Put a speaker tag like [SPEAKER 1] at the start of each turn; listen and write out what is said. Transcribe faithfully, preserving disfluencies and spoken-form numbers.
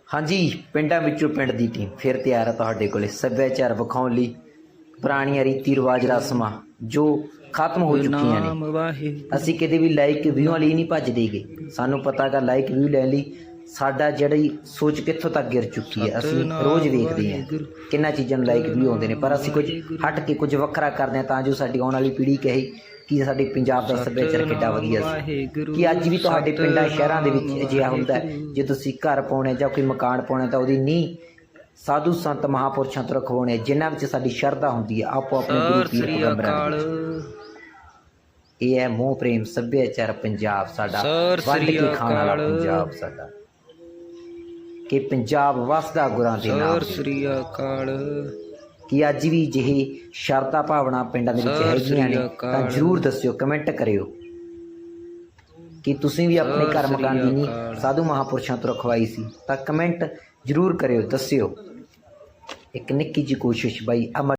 [SPEAKER 1] हाँ जी, पिंडां विचों पिंड दी टीम फिर तैयार है तुहाडे कोले सभ्याचार विखाउण लई पुराणियां रीति रिवाज रस्मां जो खत्म हो चुकियां ने। असीं किते भी लाइक व्यूआं लई नहीं भजदे गे, सानूं पता गा लाइक व्यू लैण लई साडा जिहड़ी सोच कित्थों तक गिर चुकी है। असीं रोज़ वेखदे हां किन्ना चीज़ां नूं लाइक व्यू आउंदे ने, पर असीं कुछ हट के कुछ वखरा करदे हां तां जो साडी आउण वाली पीढ़ी कहे कि साडे पंजाब दा सभ्याचार किड्डा वधिया सी। कि अज भी तुहाडे पिंडां शहरां दे विच अजिहा हुंदा है जे तुसीं घर पाउणे जां कोई मकान पाउणे तां ਉਹਦੀ नींह साधु संत महापुरुषां ਤੋਂ रखवाउने जिन्हां विच साडी शरधा हुंदी है आपो अपने गुरु पीर पैगंबरां दे विच। ਇਹ ਹੈ ਮੋਹ ਪ੍ਰੇਮ ਸੱਭਿਆਚਾਰ ਪੰਜਾਬ ਸਾਡਾ, ਵੱਢ ਕੇ ਖਾਣ ਵਾਲਾ ਪੰਜਾਬ ਸਾਡਾ, ਕਿ ਪੰਜਾਬ ਵਸਦਾ ਗੁਰਾਂ ਦੇ ਨਾਮ ਤੇ। कि अज भी जिहे शरधा भावना पिंडां दे विच हैगियां ने तां जरूर दस्सिओ, कमेंट करिओ कि तुसीं भी अपने घर मकान दी नींह साधु महापुरुषां तो रखवाई सी तां कमेंट जरूर करिओ, दस्सिओ। एक निक्की जी कोशिश बाई अमर